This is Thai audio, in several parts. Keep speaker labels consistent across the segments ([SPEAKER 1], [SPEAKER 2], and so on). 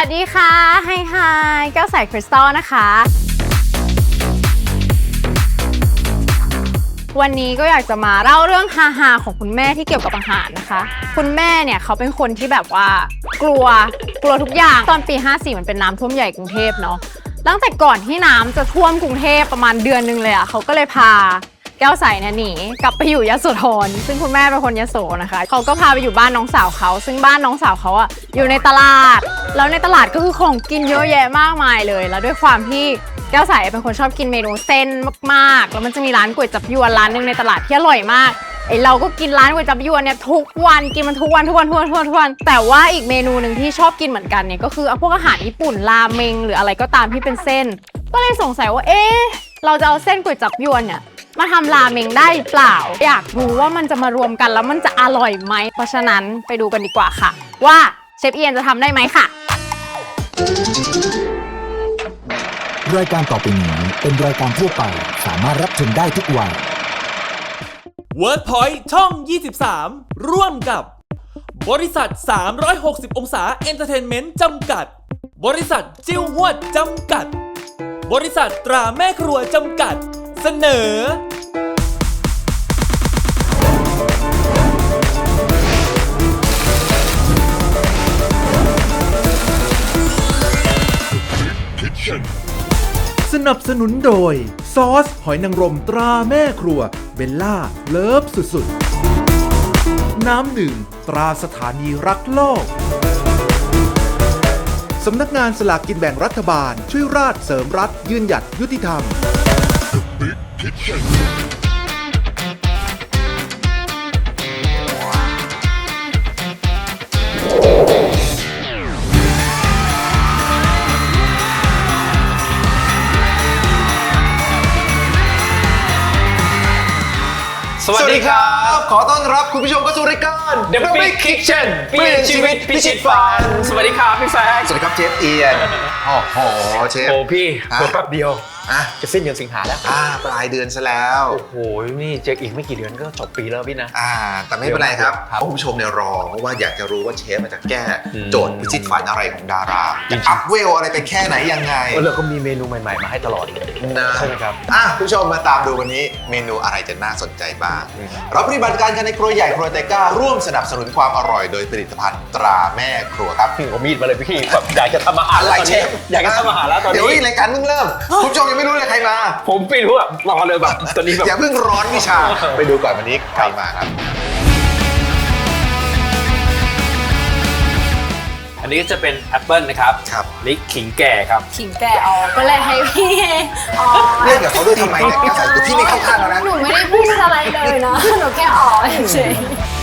[SPEAKER 1] วัสดีค่ะไฮแก้วใสคริสตัลนะคะวันนี้ก็อยากจะมาเล่าเรื่องฮาๆของคุณแม่ที่เกี่ยวกับอาหารนะคะคุณแม่เนี่ยเขาเป็นคนที่แบบว่ากลัวทุกอย่างตอนปี54มันเป็นน้ำท่วมใหญ่กรุงเทพเนาะตั้งแต่ก่อนที่น้ำจะท่วมกรุงเทพประมาณเดือนนึงเลยเขาก็เลยพาแก้วใสเนี่ยหนีกลับไปอยู่ยโสธรซึ่งคุณแม่เป็นคนยโสนะคะเขาก็พาไปอยู่บ้านน้องสาวเขาซึ่งบ้านน้องสาวเขาอยู่ในตลาดแล้วในตลาดก็คือของกินเยอะแยะมากมายเลยแล้วด้วยความที่แก้วใสเป็นคนชอบกินเมนูเส้นมากๆแล้วมันจะมีร้านก๋วยจั๊บยวนร้านนึงในตลาดที่อร่อยมากเราก็กินร้านก๋วยจั๊บยวนเนี่ยทุกวันกินมันทุกวันแต่ว่าอีกเมนูหนึ่งที่ชอบกินเหมือนกันเนี่ยก็คือพวกอาหารญี่ปุ่นราเมงหรืออะไรก็ตามที่เป็นเส้นก็เลยสงสัยว่าเราจะเอาเส้นก๋วยจั๊บยวนเนี่ยมาทำราเมงได้เปล่าอยากรู้ว่ามันจะมารวมกันแล้วมันจะอร่อยไหมเพราะฉะนั้นไปดูกันดีกว่าค่ะว่าเชฟเอียนจะทำได้ไหมค่ะ
[SPEAKER 2] รายการต่อไปนี้เป็นรายการทั่วไปสามารถรับชมได้ทุกวัย
[SPEAKER 3] WordPoint ช่อง 23 ร่วมกับบริษัท 360 องศาเอนเตอร์เทนเมนต์จำกัดบริษัทจิ้วหวดจำกัดบริษัทตราแม่ครัวจำกัดเสนอ
[SPEAKER 4] สนับสนุนโดยซอสหอยนางรมตราแม่ครัวเบลล่าเลิฟสุดๆน้ำดื่มตราสถานีรักโลกสำนักงานสลากกินแบ่งรัฐบาลช่วยราชเสริมรัฐยืนหยัดยุติธรรม
[SPEAKER 5] สวัสดีครับ ขอต้อนรับคุณผู้ชมเข้าสู่รายการ The Big Kitchen เปลี่ยนชีวิตพิชิตฝันสวัสดีครับพี่แฟร์สวัสดีครับเชฟเอียนโอ้โหเชฟ
[SPEAKER 6] โอ้พี่แป๊บเดียวจะสิ้นเดือนสิงหาแล้ว
[SPEAKER 5] ปลายเดือนซะแล้ว
[SPEAKER 6] โอ้โหนี่เจ๊กอีกไม่กี่เดือนก็จบปีแล้วพี่นะ
[SPEAKER 5] แต่ไม่เป็นไรครับคุณผู้ชมเนี่ยรอเพราะว่าอยากจะรู้ว่าเชฟมันจะแก้โจทย์พิชิตฝันอะไรของดาราจะอัพเวลอะไรไปแค่ไหนยังไง
[SPEAKER 6] เราก็มีเมนูใหม่ๆมาให้ตลอดเลย
[SPEAKER 5] นะ
[SPEAKER 6] ใช่ไหมครับ
[SPEAKER 5] คุณผู้ชมมาตามดูวันนี้เมนูอะไรจะน่าสนใจบ้างเราปฏิบัติการกันในครัวใหญ่ครัวเตก้าร่วมสนับสนุนความอร่อยโดยผลิตภัณฑ์ตราแม่ครัวครับ
[SPEAKER 6] พี่เอามีดมาเลยพี่แบบอยากจะทำอาหาร
[SPEAKER 5] อะไรเชฟ
[SPEAKER 6] อยากจะทำอาหารแล้วตอนนี้
[SPEAKER 5] เดี๋ยวรายการเพิ่งเริ่มคุณผู้ชมยังไม่รู้เลยใครมา
[SPEAKER 6] ผมไม่รู้อะรอเลยแบบตอนนี้แบบ
[SPEAKER 5] อย่าเพิ่งร้อนวิชาไปดูก่อนวันนี้ใครมาครับ
[SPEAKER 6] อันนี้ก็จะเป็นแอปเปิลนะครับนี่ขิงแก่ครับ
[SPEAKER 1] ขิงแก่ก็เลยให้พี่
[SPEAKER 5] เรียกกับเขาด้วยทำไมเนี่ยแกใส่ตัวพี่ไม่เข้าข้างแล้วนะ
[SPEAKER 1] หนูไม่ได้พูดอะไรเลยนะหนูแค่เฉย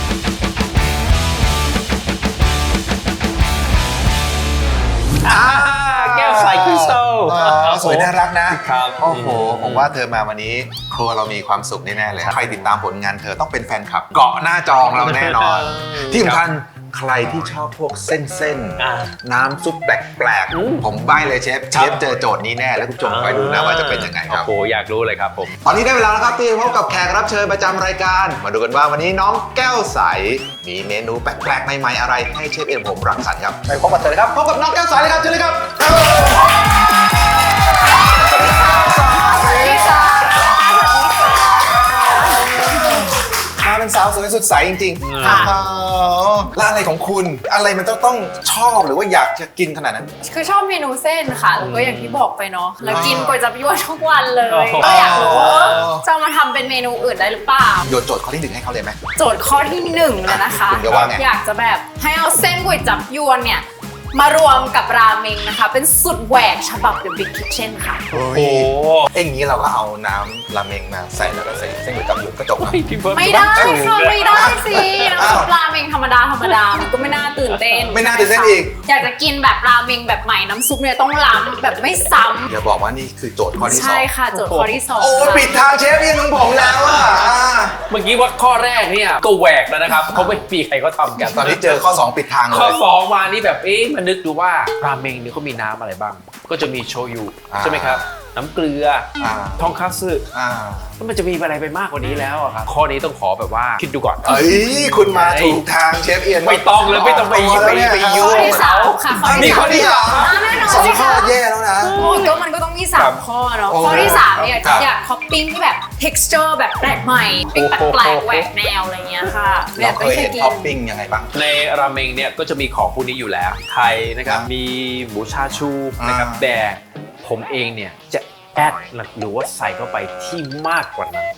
[SPEAKER 6] แก้วใสคริสตัล
[SPEAKER 5] สวยน่ารักนะครับโอ้โหผมว่าเธอมาวันนี้ครัวเรามีความสุขแน่ๆเลยใครติดตามผลงานเธอต้องเป็นแฟนคลับเกาะหน้าจองเราแน่นอนที่สำคัญใครที่ชอบพวกเส้นน้ำซุปแปลกๆผมใบ้เลยเชฟเจอโจทย์นี้แน่แล้วคุณผู้ชมคอยดูนะว่าจะเป็นยังไงครับ
[SPEAKER 6] โอ้โหอยากรู้เลยครับผม
[SPEAKER 5] ตอนนี้ได้เวลาแล้วครับที่พบกับแขกรับเชิญประจำรายการมาดูกันว่าวันนี้น้องแก้วใสมีเมนูแปลกๆใหม่ๆอะไรให้เชฟเอ็มผมรังสรรค์ครับไปพบกับเธอเลยครับพบกับน้องแก้วใสเลยครับเชิญเลยครับเป็นสาวสวยสดใสจริงๆแล้วอะไรของคุณอะไรมันต้องชอบหรือว่าอยากจะกินขนาดนั้น
[SPEAKER 1] คือชอบเมนูเส้นค่ะแล้วก็อย่างที่บอกไปเนาะแล้วกินก๋วยจั๊บยวนทุกวันเลยก็อยากรู้ว่าจะมาทำเป็นเมนูอื่นได้หรือเปล่า
[SPEAKER 5] โยนโจทย์ข้อที่1ให้เขาเลยไหม
[SPEAKER 1] โจทย์ข้อที่1เลยนะคะอยากจะแบบให้เอาเส้นก๋วยจั๊บยวนเนี่ยมารวมกับราเมงนะคะเป็นสุดแหวกฉบับ The Big Kitchen ค่ะ
[SPEAKER 5] โอ้โหอย่างนี้เราก็เอาน้ำราเมงมาใส่แล้วก็ใส่เส้นก๋วยจั๊บยวนก็จบ
[SPEAKER 1] ไม่ได้ค่ะไม่ได้สิน้ำซุปราเมงธรรมดามันก็ไม่น่าตื่นเต้น
[SPEAKER 5] อีก
[SPEAKER 1] อยากจะกินแบบราเมงแบบใหม่น้ำซุปเนี่ยต้องล้ำแบบไม่ซ้ำ
[SPEAKER 5] อย่าบอกว่านี่คือโจทย์ข้อที่2
[SPEAKER 1] ใช่ค่ะโจทย์ข้อที่2
[SPEAKER 5] โอ้ปิดทางเชฟยังของผมแล้วอ่ะ
[SPEAKER 6] เมื่อกี้ว่าข้อแรกเนี่ยก็แหวกแล้วนะครับเขาไม่มีใครเขาทำกัน
[SPEAKER 5] ตอนนี้เจอข้อ2ปิดทางเลย
[SPEAKER 6] ข้อ2มานี่แบบมันนึกดูว่าราเมงเนี่ยเขามีน้ำอะไรบ้างก็จะมีโชยุใช่ไหมครับน้ำเกลือทองคัตสึแล้วมันจะมีอะไรไปมากกว่านี้แล้วอะครับข้อนี้ต้องขอแบบว่าคิดดูก่อน
[SPEAKER 5] เอ้ยคุณมาถูกทางเชฟเอียน
[SPEAKER 6] ไม่ต้องเลยไม่ต้องไปยุ่ง
[SPEAKER 1] ข้อที่สามค่ะข้อ
[SPEAKER 5] มี
[SPEAKER 1] ที่
[SPEAKER 5] ข้อที่สาม
[SPEAKER 1] แน่นอน
[SPEAKER 5] สอง
[SPEAKER 1] สิ
[SPEAKER 5] ข้อ
[SPEAKER 1] คะ
[SPEAKER 5] แย่แล้วนะ
[SPEAKER 1] โอ้ยก็มันก็ต้องมี3ข้อเนาะ
[SPEAKER 5] โอ้
[SPEAKER 1] ข้อที่3เนี่ย
[SPEAKER 5] ครับ
[SPEAKER 1] อยากท็อปปิ้งที่แบบ texture แบบแปลกใหม่ปิ้งแปลกๆแหวกแนวอะไรเงี้ยค่ะแบ
[SPEAKER 5] เรา
[SPEAKER 1] บ
[SPEAKER 5] เค
[SPEAKER 1] ไม่
[SPEAKER 5] ย
[SPEAKER 1] เคย
[SPEAKER 5] เห็น
[SPEAKER 1] กิน
[SPEAKER 5] ท็อปปิ้งยังไงบ้าง
[SPEAKER 6] ในราเมงเนี่ยก็จะมีของพวกนี้อยู่แล้วไข่นะครับมีหมูชาชูนะครับแต่ผมเองเนี่ยจะแอดหรือว่าใส่เข้าไปที่มากกว่านั้น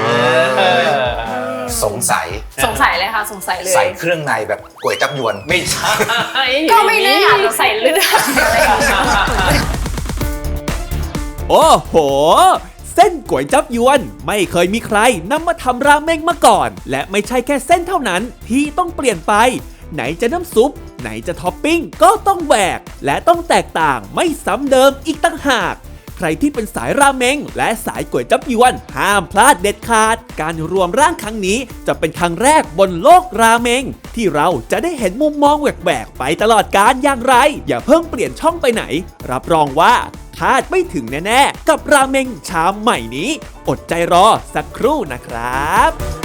[SPEAKER 5] สงสัย
[SPEAKER 1] สงสัยเลยค่ะสงสัยเลย
[SPEAKER 5] ใส่เครื่องในแบบก๋วยจับยวน
[SPEAKER 6] ไม่ใช่
[SPEAKER 1] ก็ไม่แน่อาจจะใส่เลือดอะไรอย่างเงี้ย
[SPEAKER 3] โอ้โห เส้นก๋วยจับยวนไม่เคยมีใครนำมาทำราเมงมาก่อน และไม่ใช่แค่เส้นเท่านั้นที่ต้องเปลี่ยนไป ไหนจะน้ำซุป ไหนจะท็อปปิ้งก็ต้องแหวก และต้องแตกต่างไม่ซ้ำเดิมอีกต่างหาก ใครที่เป็นสายราเมงและสายก๋วยจับยวนห้ามพลาดเด็ดขาด การรวมร่างครั้งนี้จะเป็นครั้งแรกบนโลกราเมงที่เราจะได้เห็นมุมมองแหวกๆไปตลอดกาลอย่างไร อย่าเพิ่งเปลี่ยนช่องไปไหน รับรองว่าคาดไม่ถึงแน่ๆกับราเมงชามใหม่นี้ อดใจรอสักครู่นะครับ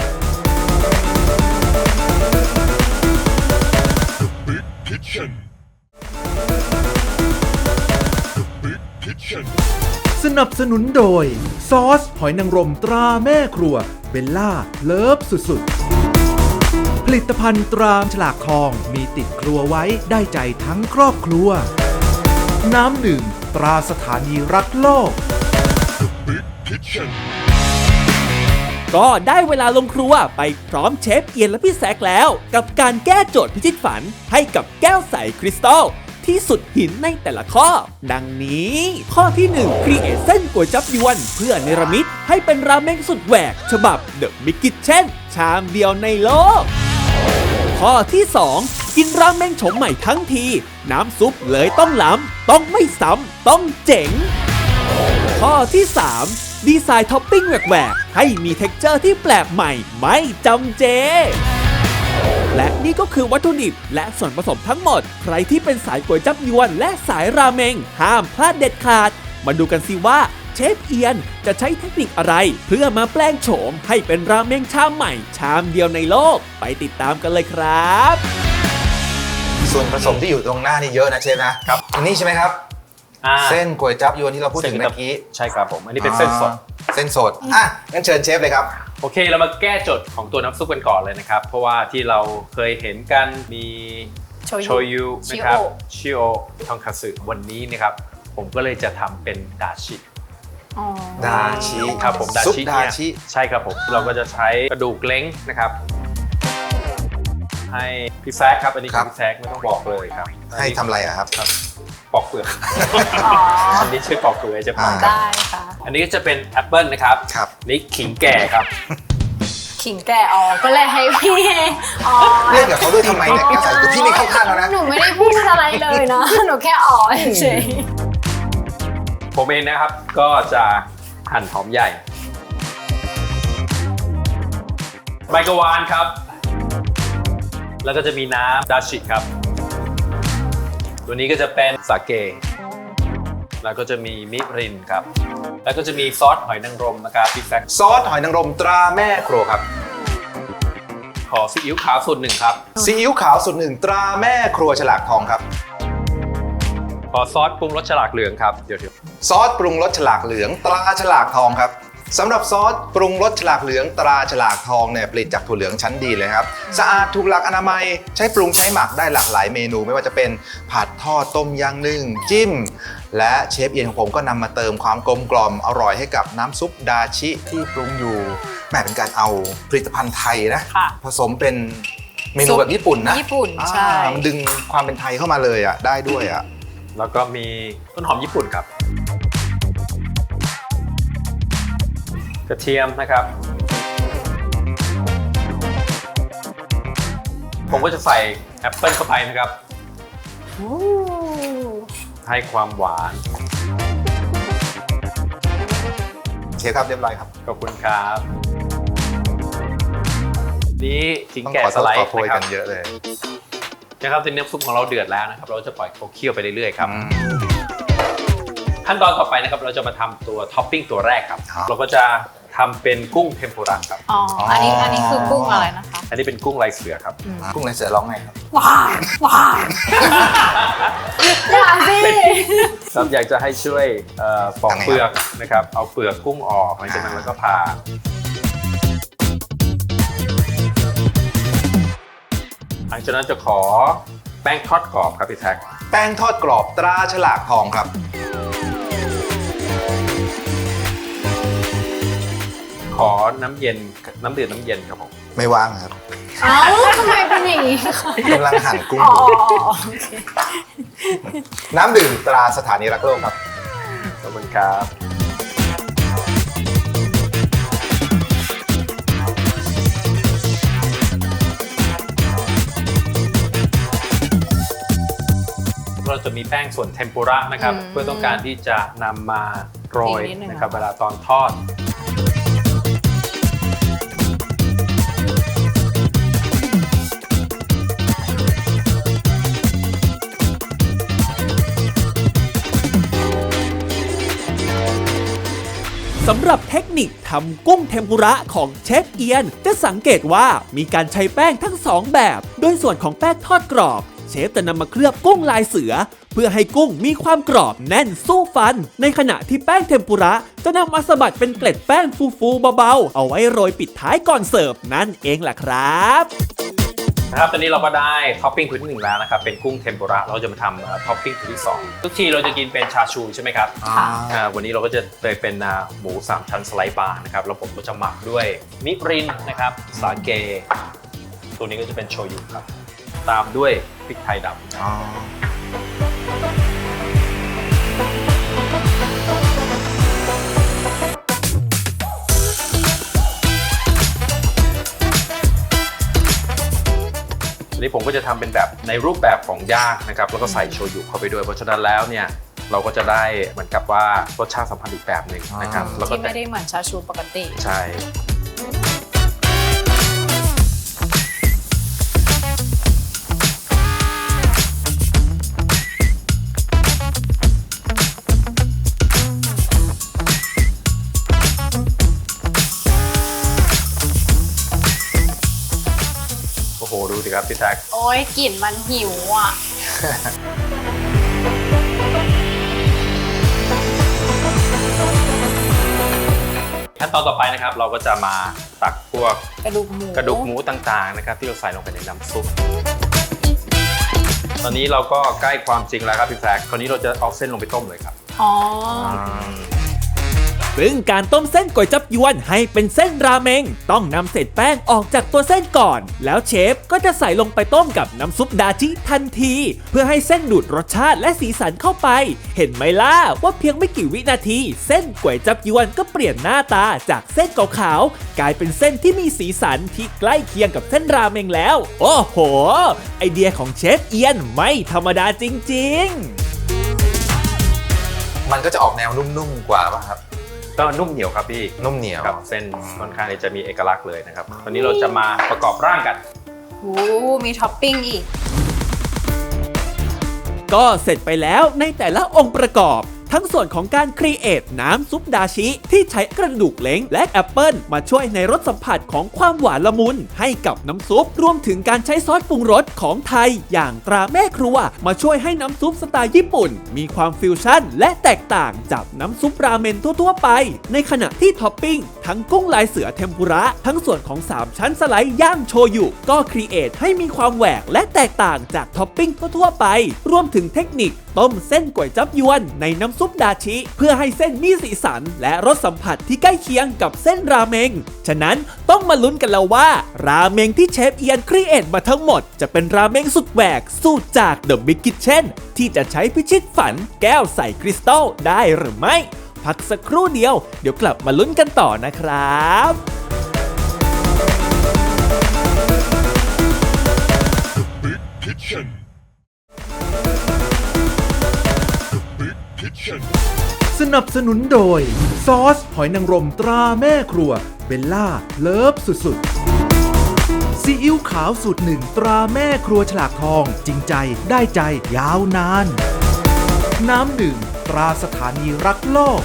[SPEAKER 4] สนับสนุนโดย ซอสหอยนางรมตราแม่ครัวเบลล่าเลิฟสุดๆ ผลิตภัณฑ์ตราฉลากทองมีติดครัวไว้ได้ใจทั้งครอบครัว น้ำหนึ่งตราสถานีรักโลก
[SPEAKER 3] ก็ได้เวลาลงครัวไปพร้อมเชฟเอียนและพี่แซกแล้ว กับการแก้โจทย์พิชิตฝันให้กับแก้วใสคริสตัลที่สุดหินในแต่ละข้อ ดังนี้ ข้อที่1ครีเอทเส้นก๋วยจับยวนเพื่อเนรมิตให้เป็นราเมงสุดแหวก ฉบับเดอะมิก i ิ c เช่นชามเดียวในโลก ข้อที่ 2 กินราเมงโฉมใหม่ทั้งที น้ำซุปเลยต้องล้ำต้องไม่ซ้ำต้องเจ๋ง ข้อที่ 3 ดีไซน์ท็อปปิ้งแหวกๆให้มีเท็กเจอร์ที่แปลกใหม่ไม่จำเจ และนี่ก็คือวัตถุดิบและส่วนผสมทั้งหมด ใครที่เป็นสายก๋วยจับยวนและสายราเมงห้ามพลาดเด็ดขาด มาดูกันสิว่าเชฟเอียนจะใช้เทคนิคอะไร เพื่อมาแปลงโฉมให้เป็นราเมงชามใหม่ ชามเดียวในโลก ไปติดตามกันเลยครับ
[SPEAKER 5] ส่วนผสมที่อยู่ตรงหน้านี่เยอะนะเชฟนะครับอันนี้ใช่ไหมครับ เส้นก๋วยจับยวนที่เราพูดถึงเมื่อกี้
[SPEAKER 6] ใช่ครับผมอันนี้เป็นเส้นสด
[SPEAKER 5] เส้นสดงั้นเชิญเชฟเลยครับ
[SPEAKER 6] โอเคเรามาแก้โจทย์ของตัวน้ำซุปกันก่อนเลยนะครับ เพราะว่าที่เราเคยเห็นกันมีโชยุนะครับชิโอทองคัตสึวันนี้นะครับผมก็เลยจะทำเป็นดาชิ
[SPEAKER 1] อ๋อ
[SPEAKER 5] ดาชิ
[SPEAKER 6] ครับผม
[SPEAKER 5] ซุป
[SPEAKER 6] เนี่ย
[SPEAKER 5] ดาชิ
[SPEAKER 6] ใช่ครับผมเราก็จะใช้กระดูกเล้งนะครับ ให้พี่แซกครับอันนี้คือพี่แซกไม่ต้องบอกเลยครับ
[SPEAKER 5] ให้ทำอะไรอะครับ
[SPEAKER 6] ปอกเปลือก
[SPEAKER 1] อ๋อ
[SPEAKER 6] อันนี้ช่วยปอกเปลือกจะปอก
[SPEAKER 1] ได้ค่ะ
[SPEAKER 6] อันนี้ก็จะเป็นแอปเปิลนะครับ
[SPEAKER 5] ครับ
[SPEAKER 6] นี่ขิงแก่ครับ
[SPEAKER 1] ขิงแก่อ๋อก็เลยให้พี่อ๋อ
[SPEAKER 5] เรียกกับเขาด้วยทำไมเนี่ยแก้วใสคือพี่ไม่เข้าข้างแล้วนะ
[SPEAKER 1] หนูไม่ได้พูดอะไรเลยนะ หนูแค่อ๋อเฉย
[SPEAKER 6] ผมเองนะครับก็จะหั่นหอมใหญ่ใบกะวานครับ แล้วก็จะมีน้ำดาชิครับ ตัวนี้ก็จะเป็นสาเก แล้วก็จะมีมิรินครับ แล้วก็จะมีซอสหอยนางรมนะครับพี่แซค
[SPEAKER 5] ซอสหอยนางรมตราแม่ครัวครับ
[SPEAKER 6] ขอซีอิ๊วขาวสูตรหนึ่งครับ
[SPEAKER 5] ซีอิ๊วขาวสูตรหนึ่งตราแม่ครัวฉลากทองครับ
[SPEAKER 6] ขอซอสปรุงรสฉลากเหลืองครับเดี๋ยว
[SPEAKER 5] ซอสปรุงรสฉลากเหลืองตราฉลากทองครับสำหรับซอสปรุงรสฉลากเหลืองตราฉลากทองเนี่ยผลิตจากถั่วเหลืองชั้นดีเลยครับสะอาดถูกหลักอนามัยใช้ปรุงใช้หมักได้หลากหลายเมนูไม่ว่าจะเป็นผัดทอดต้มยำนึ่งจิ้ม และเชฟเอียนของผมก็นำมาเติมความกลมกล่อมอร่อยให้กับน้ำซุปดาชิที่ปรุงอยู่แหมเป็นการเอาผลิตภัณฑ์ไทยนะ
[SPEAKER 1] ค่ะ
[SPEAKER 5] ผสมเป็นเมนูแบบญี่ปุ่นนะ
[SPEAKER 1] ญี่ปุ่นใช่
[SPEAKER 5] มันดึงความเป็นไทยเข้ามาเลยอ่ะได้ด้วยอ่ะ
[SPEAKER 6] แล้วก็มีต้นหอมญี่ปุ่นครับ กระเทียมนะครับ ผมก็จะใส่แอปเปิลเข้าไปนะครับ ให้ความหวาน
[SPEAKER 5] เชฟครับเรียบร้อยครับ
[SPEAKER 6] ขอบคุณครับ นี่ขิง
[SPEAKER 5] ต้อง
[SPEAKER 6] แก่
[SPEAKER 5] ขอ
[SPEAKER 6] สไลด์
[SPEAKER 5] ขอโพย
[SPEAKER 6] นะค
[SPEAKER 5] กั
[SPEAKER 6] รับ
[SPEAKER 5] นเยอะเลย
[SPEAKER 6] นะครับตอนนี้น้ำซุปของเราเดือดแล้วนะครับ เราจะปล่อยเขาเคี่ยวไปเรื่อยๆครับ ให้ขั้นตอนต่อไปนะครับเราจะมาทำตัวท็อปปิ้งตัวแรกครับ
[SPEAKER 5] ครับ
[SPEAKER 6] เราก็จะทำเป็นกุ้งเทมปุระครับ
[SPEAKER 1] อ๋อ อันนี้คือกุ้งอะไรนะคะ
[SPEAKER 6] อันนี้เป็นกุ้งลายเสือครับ
[SPEAKER 5] กุ้งลายเสือร้องไงครับ
[SPEAKER 1] ว้าวว้าวอย่าสิ
[SPEAKER 6] ครับอยากจะให้ช่วยปอกเปลือกนะครับเอาเปลือกกุ้งออกหลังจากนั้นแล้วก็ผ่าหลังจากนั้นจะขอแป้งทอดกรอบครับพี่แท็ก
[SPEAKER 5] แป้งทอดกรอบตราฉลากทองครับ
[SPEAKER 6] ขอน้ำเย็นน้ำเดือดน้ำเย็นครับผม
[SPEAKER 5] ไม่ว่างครับ
[SPEAKER 1] เอ้าทำไมเป็นอย่างนี้คะ
[SPEAKER 5] กำลังหั่นกุ้ง
[SPEAKER 1] อ๋อ
[SPEAKER 5] อยู่
[SPEAKER 1] โอเค
[SPEAKER 5] น้ำดื่มตราสถานีรักโลกครับ
[SPEAKER 6] ขอบคุณครับเราจะมีแป้งส่วนเทมปุระนะครับเพื่อต้องการที่จะนำมาโรยนะครับเวลาตอนทอด
[SPEAKER 3] สำหรับเทคนิคทำกุ้งเทมปุระของเชฟเอียนจะสังเกตว่ามีการใช้แป้งทั้ง2แบบโดยส่วนของแป้งทอดกรอบเชฟจะนำมาเคลือบกุ้งลายเสือเพื่อให้กุ้งมีความกรอบแน่นสู้ฟันในขณะที่แป้งเทมปุระจะนำมาสะบัดเป็นเกล็ดแป้งฟูๆเบาๆเอาไว้โรยปิดท้ายก่อนเสิร์ฟนั่นเองล่ะครับ
[SPEAKER 6] นะครับตอนนี้เราก็ได้ท็อปปิ้งตัวที่1แล้วนะครับเป็นกุ้งเทมปุระเราจะมาทำท็อปปิ้งตัวที่2ทุกทีเราจะกินเป็นชาชูใช่ไหมครับวันนี้เราก็จะเป็นหมู3ชั้นสไลด์บาร์นะครับแล้วผมก็จะหมักด้วยมิรินนะครับสาเกตัวนี้ก็จะเป็นโชยุครับตามด้วยพริกไทยดำอันนี้ผมก็จะทำเป็นแบบในรูปแบบของย่างนะครับแล้วก็ใส่โชยุเข้าไปด้วยเพราะฉะนั้นแล้วเนี่ยเราก็จะได้เหมือนกับว่ารสชาติสัมพันธ์อีกแบบหนึ่งนะครับแล้วก็
[SPEAKER 1] ที่ไม่ได้เหมือนชาชูปกติ
[SPEAKER 6] ใช่โอ้โหดูดิครับพี่แท็ก
[SPEAKER 1] โอ้ยกลิ่นมันหิวอ่ะ
[SPEAKER 6] ขั้นตอนต่อไปนะครับเราก็จะมาตักพวก
[SPEAKER 1] กระดูกหมู
[SPEAKER 6] ต่างๆนะครับที่เราใส่ลงไปในน้ำซุปตอนนี้เราก็ใกล้ความจริงแล้วครับพี่แท็กคราวนี้เราจะเอาเส้นลงไปต้มเลยครับ
[SPEAKER 1] อ๋อ
[SPEAKER 3] ซึ่งการต้มเส้นก๋วยจับยวนให้เป็นเส้นราเมงต้องนำเศษแป้งออกจากตัวเส้นก่อนแล้วเชฟก็จะใส่ลงไปต้มกับน้ำซุปดาจิทันทีเพื่อให้เส้นดูดรสชาติและสีสันเข้าไปเห็นไหมล่ะว่าเพียงไม่กี่วินาทีเส้นก๋วยจับยวนก็เปลี่ยนหน้าตาจากเส้นขาวๆกลายเป็นเส้นที่มีสีสันที่ใกล้เคียงกับเส้นราเมงแล้วโอ้โหไอเดียของเชฟเอียนไม่ธรรมดาจริงๆ
[SPEAKER 5] มันก็จะออกแนวนุ่มๆกว่าป่ะครับ
[SPEAKER 6] ก็นุ่มเหนียวครับพี่
[SPEAKER 5] นุ่มเหนียว
[SPEAKER 6] ครับเส้นค่อนข้างที่จะมีเอกลักษณ์เลยนะครับตอนนี้เราจะมาประกอบร่างกัน
[SPEAKER 1] โอ้มีท็อปปิ้งอีก
[SPEAKER 3] ก็เสร็จไปแล้วในแต่ละองค์ประกอบทั้งส่วนของการครีเอทน้ำซุปดาชิที่ใช้กระดูกเล้งและแอปเปิลมาช่วยในรสสัมผัสของความหวานละมุนให้กับน้ำซุปรวมถึงการใช้ซอสปรุงรสของไทยอย่างตราแม่ครัวมาช่วยให้น้ำซุปสไตล์ญี่ปุ่นมีความฟิวชั่นและแตกต่างจากน้ำซุปราเมนทั่วๆไปในขณะที่ท็อปปิ้งทั้งกุ้งลายเสือเทมปุระทั้งส่วนของ3ชั้นสไลด์ย่างโชยุก็ครีเอทให้มีความแหวกและแตกต่างจากท็อปปิ้งทั่วๆไปรวมถึงเทคนิคต้มเส้นก๋วยจับยวนในน้ำซุปดาชิเพื่อให้เส้นมีสีสันและรสสัมผัสที่ใกล้เคียงกับเส้นราเมงฉะนั้นต้องมาลุ้นกันแล้วว่าราเมงที่เชฟเอียนครีเอทมาทั้งหมดจะเป็นราเมงสุดแหวกสูตรจาก The Big Kitchen ที่จะใช้พิชิตฝันแก้วใส่คริสตัลได้หรือไม่พักสักครู่เดียวเดี๋ยวกลับมาลุ้นกันต่อนะครับ
[SPEAKER 4] สนับสนุนโดยซอสหอยนางรมตราแม่ครัวเบลล่าเลิฟสุดๆซีอิ๊วขาวสูตรหนึ่งตราแม่ครัวฉลากทองจริงใจได้ใจยาวนานน้ำดื่มตตราสถานีรักโลก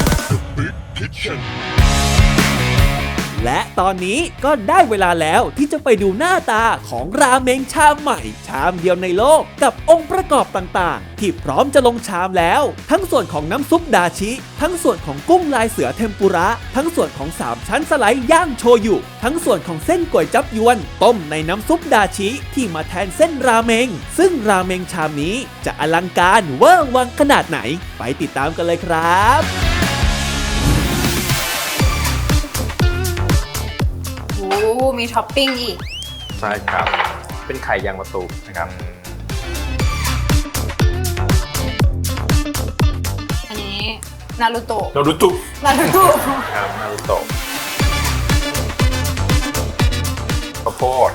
[SPEAKER 3] และตอนนี้ก็ได้เวลาแล้วที่จะไปดูหน้าตาของราเมงชามใหม่ชามเดียวในโลกกับองค์ประกอบต่างๆที่พร้อมจะลงชามแล้วทั้งส่วนของน้ำซุปดาชิทั้งส่วนของกุ้งลายเสือเทมปุระทั้งส่วนของ3ชั้นสไลด์ย่างโชยุทั้งส่วนของเส้นก๋วยจั๊บยวนต้มในน้ำซุปดาชิที่มาแทนเส้นราเมงซึ่งราเมงชามนี้จะอลังการเวอร์วังขนาดไหนไปติดตามกันเลยครับ
[SPEAKER 1] โอ้มีท็อปปิ้งอีก
[SPEAKER 6] ใช่ครับ เป็นไข่ยางมะตูมนะครับ
[SPEAKER 1] อันนี้นารูโตะ
[SPEAKER 6] นารูโตะ
[SPEAKER 1] นารูโตะ
[SPEAKER 6] ครับนารูโตะข้าวโพด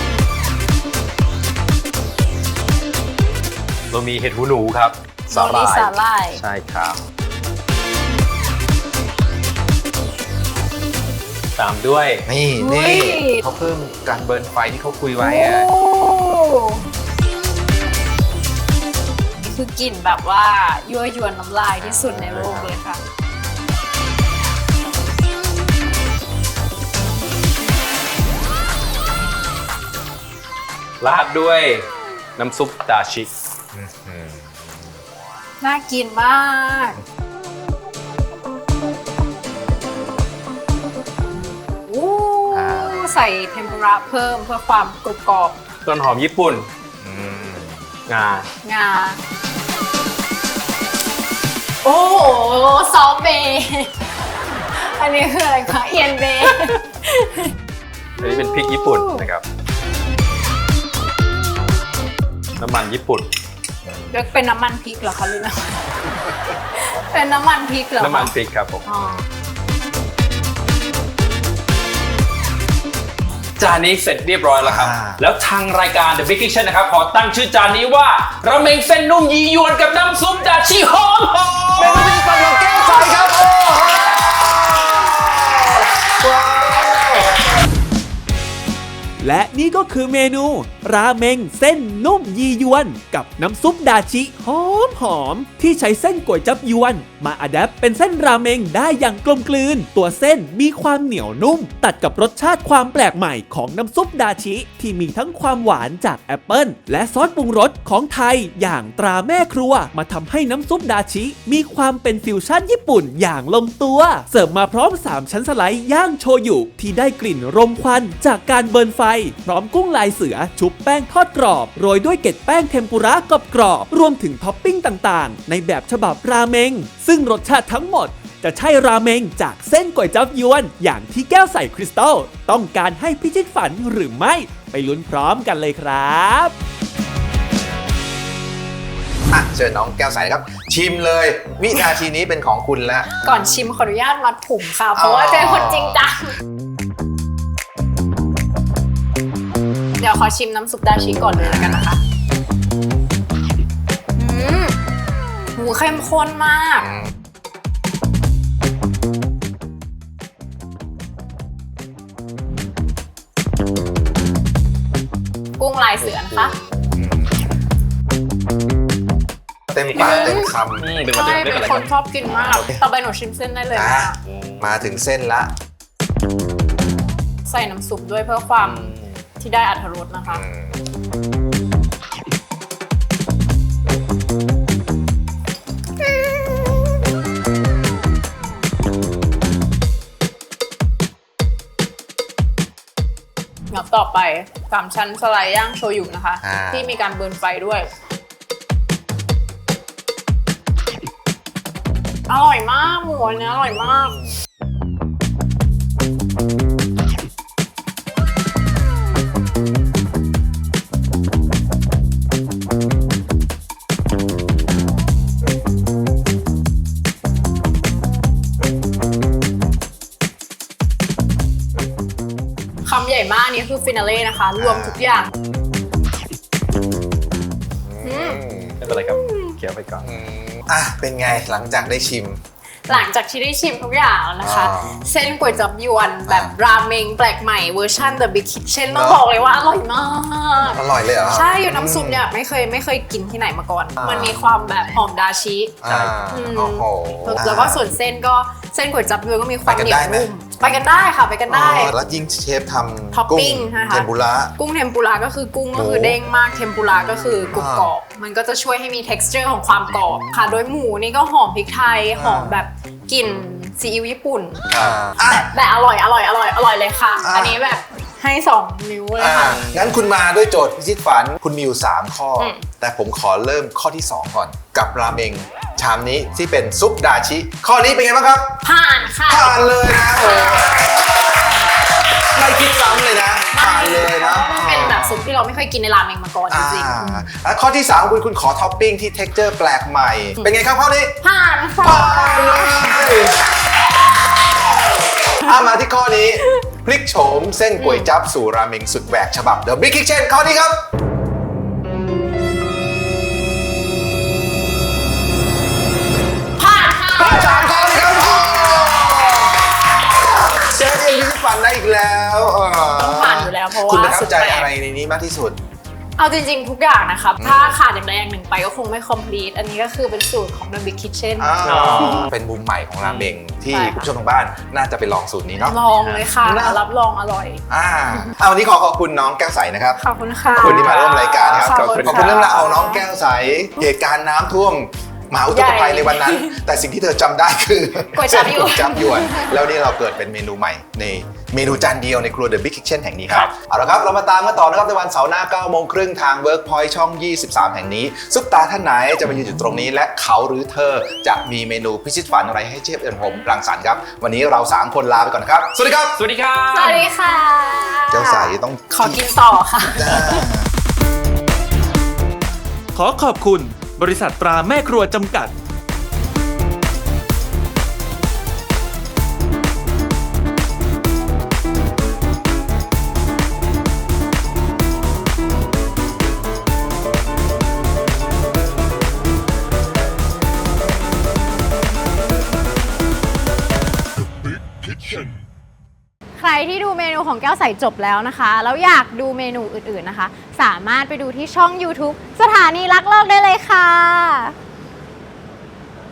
[SPEAKER 6] เรามีเห็ดหูหนูครับสาหร่าย
[SPEAKER 1] สาหร่าย
[SPEAKER 6] ใช่ครับตามด้วย
[SPEAKER 5] นี่
[SPEAKER 1] อุ๊ย
[SPEAKER 5] เขาเพิ่มการเบิร์นไฟที่เขาคุยไว้
[SPEAKER 1] โอ้
[SPEAKER 5] อะ
[SPEAKER 1] นี่คือกลิ่นแบบว่ายั่วยวนน้ำลายที่สุดในโลกเลยค่ะ
[SPEAKER 6] ราดด้วยน้ำซุปดาชิ
[SPEAKER 1] น่ากินมากโอ้ใส่เทมปุระเพิ่มเพื่อความกรุบกรอบ
[SPEAKER 6] ต้นหอมญี่ปุ่นงา
[SPEAKER 1] งา โอ้โหซอสเบย์อันนี้คืออะไรคะเอียนเบย์
[SPEAKER 6] อันนี้เป็นพริกญี่ปุ่นนะครับ น้ำมันญี่ปุ่น
[SPEAKER 1] เรียกเป็นน้ำมันพริกเหรอคะหรือนะ เป็นน้ำมันพริกเหรอคะ
[SPEAKER 6] น้ำมันพริกครับผม
[SPEAKER 1] อ๋อ
[SPEAKER 6] จานนี้เสร็จเรียบร้อยแล้วครับ แล้วทางรายการ The Big Kitchen นะครับ ขอตั้งชื่อจานนี้ว่าราเมงเส้นนุ่มยียวนกับน้ำซุปดาชิหอม
[SPEAKER 5] เป็นพิธีกรของแก้วใสครับโอ้โหว้าว
[SPEAKER 3] และนี่ก็คือเมนูราเมงเส้นนุ่มยียวนกับน้ำซุปดาชิหอมที่ใช้เส้นก๋วยจั๊บยวนมาอัดแอปเป็นเส้นราเมงได้อย่างกลมกลืนตัวเส้นมีความเหนียวนุ่มตัดกับรสชาติความแปลกใหม่ของน้ำซุปดาชิที่มีทั้งความหวานจากแอปเปิลและซอสปรุงรสของไทยอย่างตราแม่ครัวมาทำให้น้ำซุปดาชิมีความเป็นฟิวชั่นญี่ปุ่นอย่างลงตัวเสิร์ฟมาพร้อม3ชั้นสไลด์ย่างโชยุที่ได้กลิ่นรมควันจากการเบิร์นไฟพร้อมกุ้งลายเสือชุบแป้งทอดกรอบโรยด้วยเกล็ดแป้งเทมปุระกรอบๆรวมถึงท็อปปิ้งต่างๆในแบบฉบับราเมงซึ่งรสชาติทั้งหมดจะใช่ราเมงจากเส้นก๋วยจั๊บยวนอย่างที่แก้วใส่คริสตัลต้องการให้พิชิตฝันหรือไม่ไปลุ้นพร้อมกันเลยครับ
[SPEAKER 5] เชิญน้องแก้วใสครับ ชิมเลย วินาทีนี้เป็นของคุณแล้ว
[SPEAKER 1] ก่อนชิมขออนุญาตมัดผมค่ะ เพราะว่าเป็นคนจริงจัง เดี๋ยวขอชิมน้ำซุปดาชิก่อนเลยแล้วกันนะคะหูเข้มข้นมาก กุ้งลายเสือนะคะ
[SPEAKER 5] เต็มปากเต็มค
[SPEAKER 6] เป็น
[SPEAKER 1] ใช่
[SPEAKER 6] ไม่
[SPEAKER 1] เป็
[SPEAKER 6] เป็น
[SPEAKER 1] น
[SPEAKER 6] ไร
[SPEAKER 1] คนชอบกินมาก ต่อไปหนูชิมเส้นได้เลย
[SPEAKER 5] ำ
[SPEAKER 1] ค่ะ
[SPEAKER 5] มาถึงเส้นละ
[SPEAKER 1] ใส่น้ำซุปด้วยเพื่อความที่ได้อรรถรสนะคะ งับต่อไป3ชั้นสไลด์ย่างโชยุนะคะ ที่มีการเบิร์นไฟด้วย อร่อยมากหมูอันนี้อร่อยมาก คำใหญ่มากนี่คือฟินาเล่นะคะ รวมทุกอย่าง
[SPEAKER 6] ไม่เป็นไรครับเคี้ยวไปก่อน
[SPEAKER 5] เป็นไงหลังจากได้ชิม
[SPEAKER 1] หลังจากที่ได้ชิมทุกอย่างแล้วนะคะ เส้นก๋วยจั๊บยวนแบบราเมงแปลกใหม่เวอร์ชัน The Big Kitchen ต้องบอกเลยว่าอร่อยมาก
[SPEAKER 5] อร่อยเลยเหรอ
[SPEAKER 1] ใช่อยู่น้ำซุปเนี่ยไม่เคยกินที่ไหนมาก่อน มันมีความแบบหอมดาชิ
[SPEAKER 5] โอ้โห
[SPEAKER 1] แล้วก็ส่วนเส้นก๋วยจั๊บยวนก็มีความ
[SPEAKER 5] ไปกัน
[SPEAKER 1] เหนียว
[SPEAKER 5] ได้ไหม
[SPEAKER 1] นุ่มไปกันได้ค่ะไปกันได้
[SPEAKER 5] แล้วยิ่งเชฟท
[SPEAKER 1] ท็อป
[SPEAKER 5] ำกุ้
[SPEAKER 1] ปิ้
[SPEAKER 5] ง
[SPEAKER 1] งนะคะ
[SPEAKER 5] เทมปุระ
[SPEAKER 1] กุ้งเทมปุระก็คือกุ้งก็คือเด้งมากเทมปุระก็คือกรุบกรอบมันก็จะช่วยให้มี texture ของความกรอบค่ะโดยหมูนี่ก็หอมพริกไทยหอมแบบกลิ่นซีอิ๊วญี่ปุ่นแต่อร่อยเลยค่ะ อันนี้แบบให้2 นิ้วเลยค่ะ
[SPEAKER 5] งั้นคุณมาด้วยโจทย์พิชิตฝันคุณมีอยู่3ข้ออ
[SPEAKER 1] ม
[SPEAKER 5] แต่ผมขอเริ่มข้อที่ 2 ก่อน กับราเมงชามนี้ที่เป็นซุปดาชิ ข้อนี้เป็นไงบ้างครับ
[SPEAKER 1] ผ่านค่ะ
[SPEAKER 5] ผ่านเลยนะโอ้ไม่คิดซ้ำเลยนะผ่านเลยนะ
[SPEAKER 1] มันเป็นแบบซุปที่เราไม่เคยกินในราเมงมาก่อนจริง
[SPEAKER 5] แล้วข้อที่ 3 คุณขอท็อปปิ้งที่ texture แปลกใหม่ เป็นไงครับข้อนี้
[SPEAKER 1] ๆผ่านค่ะ
[SPEAKER 5] ผ่านเลยมาที่ข้อนี้ พลิกโฉมเส้นก๋วยจั๊บสู่ราเมงสุดแหวกฉบับ The Big Kitchen ข้อนี้ครับ
[SPEAKER 1] ผ่านค่ะ
[SPEAKER 5] ผ่าน3ข้อเลยครับเชฟเองพิชิตฝันได้อีกแล้ว
[SPEAKER 1] ต้องผ่านอยู่แล้วเพราะว่า
[SPEAKER 5] คุณประทับใจ
[SPEAKER 1] สุดแปลก
[SPEAKER 5] อะไรในนี้มากที่สุด
[SPEAKER 1] เอาจริงๆทุกอย่างนะครับถ้าขาดอย่างใดอย่างหนึ่งไปก็คงไม่ complete อันนี้ก็คือเป็นสูตรของ The Big Kitchen
[SPEAKER 5] เป็นมุมใหม่ของราเมงที่
[SPEAKER 1] ใช่ค่ะ
[SPEAKER 5] คุณผู้ชมทางบ้านน่าจะไปลองสูตรนี้เนาะ
[SPEAKER 1] ลองเลยค่ะ
[SPEAKER 5] นะ
[SPEAKER 1] รับรองอร่อย
[SPEAKER 5] วันนี้ขอบคุณน้องแก้วใสนะครับ
[SPEAKER 1] ขอบคุณค่ะ
[SPEAKER 5] ขอบคุณที่มาร่วมรายการครับ
[SPEAKER 1] ขอบคุณ
[SPEAKER 5] ขอบคุณเรื่องราวเอาน้องแก้วใสเหตุการณ์น้ำท่วมมหาอุทกภัยในวันนั้น แต่สิ่งที่เธอจำได้คือ
[SPEAKER 1] ก๋วยจั๊บยวน
[SPEAKER 5] ก๋วยจั๊บยวนแล้วนี่เราเกิดเป็นเมนูใหม่ในเมนูจานเดียวในครัว The Big Kitchen แห่งนี้ครับเอาละครับเรามาตามกันต่อนะครับในวันเสาร์หน้า 9 โมงครึ่งทาง Workpoint ช่อง 23 แห่งนี้ซุปตาท่านไหนจะมายืนอยู่ตรงนี้และเขาหรือเธอจะมีเมนูพิชิตฝันอะไรให้เชฟเอิญผมรังสรรค์ครับวันนี้เรา 3 คนลาไปก่อนนะครับสวัสดีครับ
[SPEAKER 6] สวัสดีครับ
[SPEAKER 1] สวัสดีค่ะ
[SPEAKER 5] แก้วใสต้อง
[SPEAKER 1] ขอกินต่อค่ะ
[SPEAKER 3] ขอขอบคุณบริษัทตราแม่ครัวจำกัด
[SPEAKER 1] ใครที่ดูเมนูของแก้วใสจบแล้วนะคะ แล้วอยากดูเมนูอื่นๆนะคะ สามารถไปดูที่ช่อง YouTube สถานีรักโลกได้เลยค่ะ